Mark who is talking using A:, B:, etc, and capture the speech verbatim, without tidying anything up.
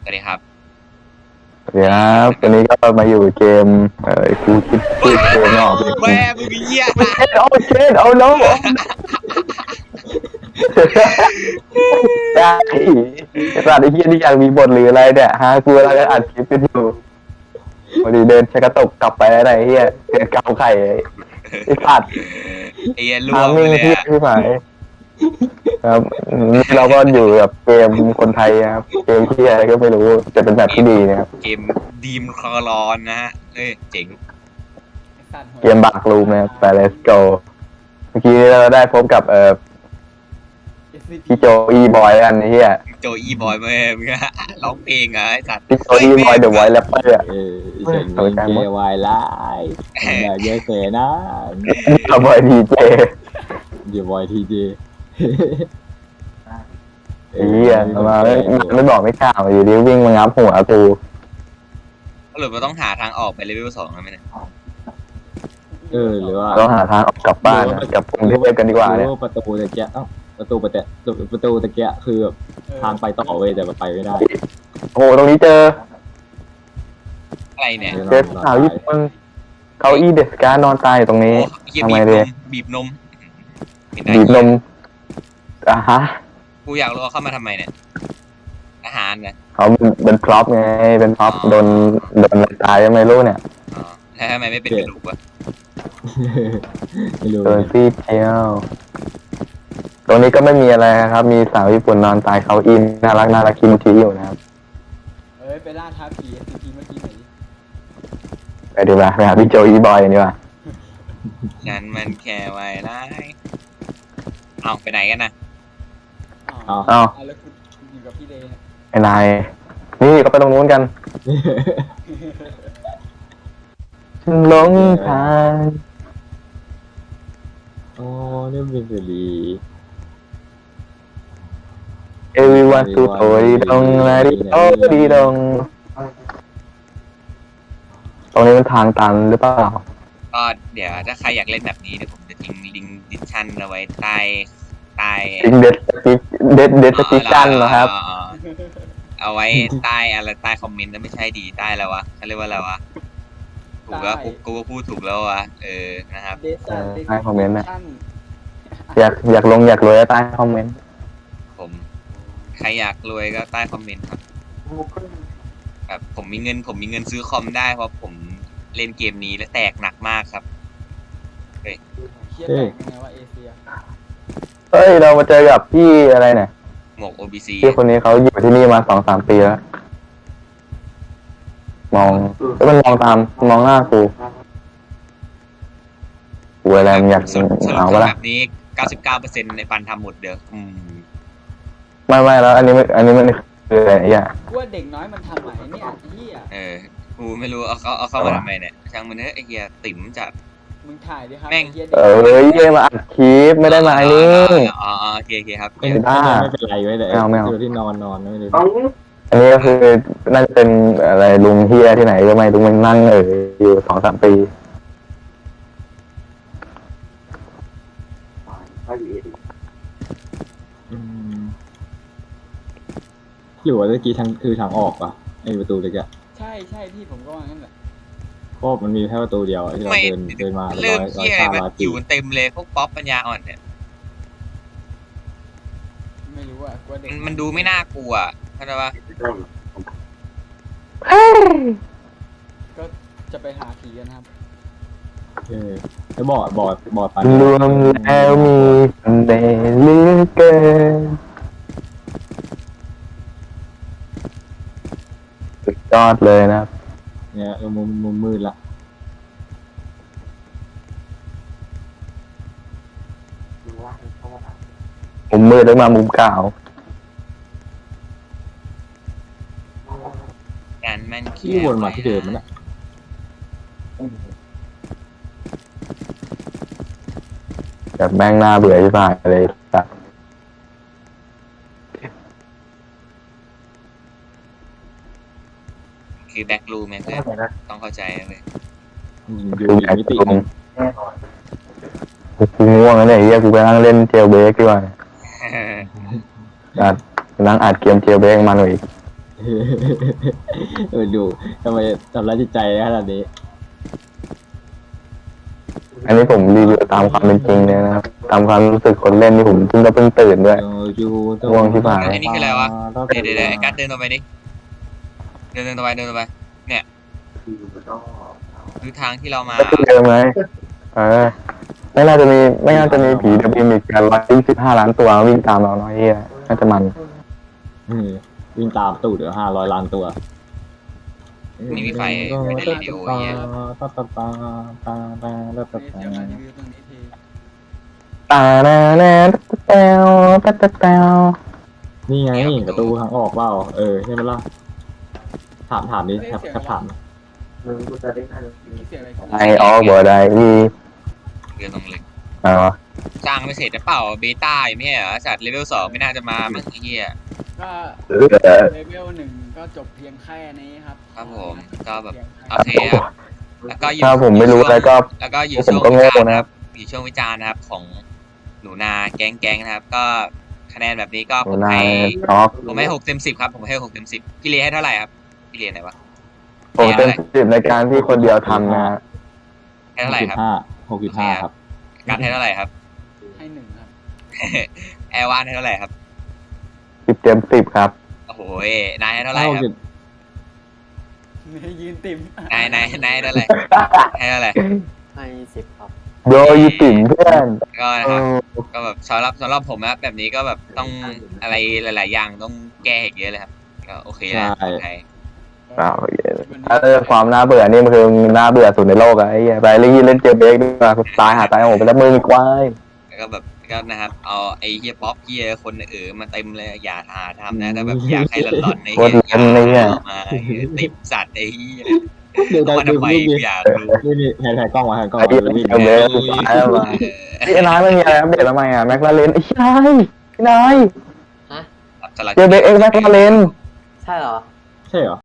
A: สวัสดีครับ
B: เดี๋ยวนะวันนี้ก็มาอยู่เกมเอ่อกูคิดชื่อเกมไม่ออกเลย
A: แม่มึงเหี้ย
B: โอ้เช็ดเอาเช็ดเอาโน้ได้ไอ้สัตว์ไอ้เหี้ยนี่อยากมีบทหรืออะไรเนี่ยฮะกูกำลังอัดคลิปกันอยู่พอดีเดินชักกระตกกลับไปอะไรเหี้ยเกิดเกาไข่ไอ้สัตว์
A: ไอ้เหี้ยรั่ว
B: ทาม
A: ไป
B: มิ่ง
A: เลย
B: ที่
A: อะ
B: ที่หมายครับนี่เราก็อยู่กับเกมคนไทยครับเกมที่อะไรก็ไม่รู้จะเป็นแบบที่ดีนะครับ
A: เกมดีมคลอรอนนะฮะเอ้ยเจ๋ง
B: เกมบักรูมนะครับแต่ let's go เมื่อกี้เราได้พบกับเอ่อพี่โจอีบอยกันไอ้เหี้ย
A: โจอีบอยแม่มึงอะร้องเพลงเหรอไอ้สัตว์
B: พี่โจอีบอยเดอะไวท์แรปเปอร์อะ
C: เออฉันมีเจวายไลฟ์อยากเยอะเสนะ
B: เอาบอยดีเจ
C: เดี๋ยวบอยทีเจ
B: ไอ้เหี้ยมาไม่ไม่บอกไม่กล่าวอยู่ดีวิ่งมางับหัวกู
A: หรือว่าต้องหาทางออกไปเลเวลสองแล้วไหมเนี่ย
C: เออหรือว่า
B: ต้องหาทางออกกลับบ้านนะกลับกรุงเทพกันดีกว่าเนี่ย
C: หรือประตูตะเกียะเอ้าประตูประตูประตูตะเกียะคือแบบทางไปต่อเว้ยแต่มันไปไม่ได้
B: โอ้โหตรงนี้เจอ
A: อะไรเนี่ย
B: เจอสาวญี่ปุ่นเขาอีเดสการนอนตายอยู่ตรงนี้
A: โอ้เหี้ย
B: ทำ
A: บี
B: ไม
A: บน
B: เลย
A: มบีบนมเห็นได้
B: บีบนมอ่ะฮะ
A: กูอยากรู้ว่าเข้ามาทำไมเนี่ยอาหารนะ
B: เขาเป็นเป็นพร็อพไงเป็นพร็อพโดนโดนอะไรตายยังไม่รู้เนี่ย
A: อ๋อแล้วทำไมไม่เป็นกระดูกวะ
C: ไม่รู้
B: โดนซี่เทียวตรงนี้ก็ไม่มีอะไรครับ มีสาวญี่ปุ่นนอนตายเขาอินน่ารักน่ารักคิมทีอยู่นะครับ
D: เอ้ยไปล่าท้าผี เอส ซี พี เมื่อกี้หน่อยดิ
B: ไปดีกว่าไปหาพี่โจอีบอยกันดีกว่า
A: ฉันมันแค่ไว้ร้ายเอาไปไหนกันนะ
D: อ้าว
B: อ้าว
D: อ่ะแล้วคุณอยู่กับพี่เลเนี่ย
B: ไอ้นายนี่ก็ไปตรงนู้นกันฉันหลงทาง
C: อ๋อนี่เป็นสิริ
B: เอวิวันสุโตดีดงลาดิโอดีดงตรงนี้มันทางตันหรือเปล่า
A: ก็เดี๋ยวถ้าใครอยากเล่นแบบนี้เดี๋ยวผมจะทิ้งลิงก์ดิสชันเอาไว้ใต้ใต้
B: จริงเด็ดสติ๊กเด็ดเด็ดสติ๊กกันเหรอครับ
A: อ๋อเอาไว้ใต้อะไรใต้คอมเมนต์แล้วไม่ใช่ดีใต้แล้ววะเขาเรียกว่าอะไรวะถูกแล้วกูกูก็พูดถูกแล้ววะเออนะครับ
D: เดซัน
B: เออให้คอมเมนต์นะ
D: ชั่
B: อยากอยากลงอยากรวยก็ใต้คอมเมนต์
A: ผมใครอยากรวยก็ใต้คอมเมนต์ครับแบบผมมีเงินผมมีเงินซื้อคอมได้เพราะผมเล่นเกมนี้และแตกหนักมากครับ
D: เคียดแตกยังไงว่าเอเชีย
B: เฮ้ยเรามาเจอกับพี่อะไรเนี่ย
A: หมวก โอ บี ซี
B: พี่คนนี้เขาอยู่ที่นี่มาสองสามปีแล้วมองแล้วมันมองตามมองหน้ากูกูอะไรมันอยาก
A: สรุปสรุป
B: เอา
A: คือ
B: วะ
A: แบ
B: ล่ะ
A: บนี้ เก้าสิบเก้าเปอร์เซ็นต์ ในปันทำหมดเด้ออืม
B: ไม่ไม่แล้ว อันนี้ไม่อันนี้มันคืออะไรอ่ะ
D: กูว่าเด็กน้อยมันทำไหนเนี่ยไอ้เหี้ย
A: เออกูไม่รู้เอาเขาเอาเข้ามาทำไมเนี่ยช่างมันเถอะไอ้เหี้ยติ๋มจัด
D: มึงถ่ายดิครับ
A: แม่ง
D: ไอ้เหี้ย
B: เออเฮ้ยเย่มาอัดคลิปไม่ได้มาไอ้นี่
A: อ๋ออ๋อโอเคโอเคครับ
C: ไม่
B: ไม่ได้
C: ไม่เป็นไรไว้แต่
B: ไม่เอาไม่เอา
C: อยู่ที่นอนนอนไม่ได้
B: อันนี้ก็คือน่าจะเป็นอะไรลุงเฮียที่ไหนก็ไม่ลุงมันนั่งเอออยู่สองสามปี
C: อืมหรือว่าเมื่อกี้ทางคือทางออกป่ะไอประตูตะเกียะ
D: ใช่ใช่พี่ผมก็ว่างั้นแหละ
C: เพราะมันมีแค่ประตูเดียวอะที่เรา
A: ไม่
C: เดินเดินมาร้
A: เริ่
C: อ
A: ม
C: ยร้อย
A: เหี้ยอะไร
C: ข้า
A: มัน
C: ร้อย
A: อ
C: ปี
A: ยู่เต็มเลยพวกป๊อปปัญญาอ่อนเนี่ย
D: ไม่รู้อ่ะกูว่าเด็ก
A: มันมันดูไม่น่ากลัวเข้าใจปะ
D: ก็จะไปหาผีกันครับ
C: เออแล้วบอดบอดบอดปัน
B: รวมแล้วมีเดเหลือเกินสุดยอดเลยนะครับ
C: เนี่ยเออมุมมุมมืดละ
B: มุมมืดแล้วมามุมเก่า
A: การมัน
C: ที่วนมาที่เดิมมันอะ
B: แบบแม่งหน้าเบื่อที่สุดเลยสัตว์
A: คือแบ็กรูมเนี่ยเพื่อนต้องเข้าใจเลย
C: อืมอยู่
B: คือ
C: อี
B: อก ยาก
C: มิติ
B: ลงกูง่วงแล้วเนี่ยเฮียกูไปนั่งเล่นเจลเบรกดีกว่าสัตว์นั่งอัดเกมเจลเบรกมาหน่อย
C: เอเออดูทำไมทำร้ายจิตใจขนาดนี้
B: อันนี้ผมรีวิวตามความเป็นจริงเลยนะครับตามความรู้สึกคนเล่นนี่ผมเพิ่งก็เพิ่งตื่นด้วย ง่วงชิบหาย
A: ไอ้นี่คืออะไรวะเดี๋ยวเดี๋ยวเดี๋ยวไอ้กัดเดินต่อไปดิเดินเดินต่อไปเดินต่อไปเนี่ยคือทางที่เรามา
B: ก็คือเดิมไหมเออไม่น่าจะมีไม่น่าจะมีผีเดบิวต์อีกกันร้อยสิบห้าล้านตัววิ่งตามเราเนาะเฮียน่าจะมัน
C: เออวิ่งตามตูดเดี๋ยวห้าร้อยล้านตัว
A: ไม่มีไฟไม่ได้เรดิโอเฮีย
C: ตาตาตาตาตาตาตา
D: เดี๋ยวมารีวิวตรงนี้ที
B: ตาแน่แน่แต้วแต้วแต้ว
C: นี่ไงประตูทางออกเปล่าเออใช่ไหมล่ะถามถามดิครับครับถาม
D: เมื่อกี้เสียงอะไรของ
B: ไอออกบ่ได้อี
A: เรือตรงเลย
B: อ๋อ
A: สร้างไม่เสร็จหรือเปล่าเบต้าอยู่ไม่ใช่เหรอสัตว์เลเวลสองไม่น่าจะมามั้งไอ้เฮีย
D: ก็
B: เออ
D: เลเวลหนึ่งก็จบเพียงแค่นี้ครับ
A: ครับผมก็แบบ
D: เพียง
A: โอ
D: แค่
A: เคครับแล้วก็อยู่
B: ถ้าผมไม่รู้อะไรก็
A: แล้วก็อยู่
B: ผม
A: ช่วง
B: ก็
A: วิ
B: โง่
A: จารณ์
B: นะ
A: นะครับอยู่ช่วงวิจารณ์นะครับของหนูนาแก๊งแก๊งนะครับ ก็คะแนนแบบนี้ก็ผม
B: นาย
A: ให้
B: ออก
A: ผมให้หกเต็มสิบครับผมให้หกเต็มสิบพี่เลให้เท่าไหร่ครับพี่เลไหนวะ
B: ผมเป็นสิบในการที่คนเดียวทำนะ
A: ให้เท่าไหร่ครับ
C: ห้าหกจุดห้าครับ
A: การให้เท่าไหร่ครับ
D: ให้หนึ่งครับ
A: แอร์วานให้เท่าไหร่ครับ
B: สิบเต็มสิบครับ
A: โอ้โหนายให้เท่าไหร่ครับ
D: ให้ยืนติ่ม
A: นายนายนายให้เท่าไหร่ให้เท่าไหร่
E: ให้สิบครับ
B: โดยติ่มเพื่อน
A: ก็นะ
B: เอ
A: ครับ
B: อ
A: ก็แบบสำหรับสำหรับผมนะแบบนี้ก็แบบต้องอะไรหลาย ๆ อย่างต้องแก้อีกเยอะเลยครับก็โอเคนะโอเค
B: เอาถ้าเรื่องความน่าเบื่อนี่มันคือน่าเบื่อสุดในโลกอะไอ้เหี้ยไปเล่นเล่นเกมเบรกดีกว่าตายหาตายโหงไปแล้วมือควาย
A: แล้วก็แบบก็นะครับเอาไอ้เฮียป๊อปเฮียคนเออมาเต็มเลยอย่าหาทำนะถ้าแบบอยากให้หลอนๆใน
B: โคตรเล่นเลยเนี่ย
A: อามาติดสัตว์ไอ้เฮีย
C: เดี๋ยว
A: เอามา
C: ดู
A: ทำไม
C: นี่
A: กูอยากรู้
C: นี่นี่แทนแทนกล้องมาแทนกล้อง
B: ไอ้
C: มา
B: เหี้ย
C: วิ่ง
B: เกมเบรกตายแล้วมาไอ้นายไม่มีอะไรอัปเดตทำไมอ่ะแม็กลาเรนไอ้นายไอ้นาย
E: ฮะ
A: สลัด
B: เกมเบรกเอ็กแม็กลาเรน
E: ใช่เหรอ
C: ใช่เหรอ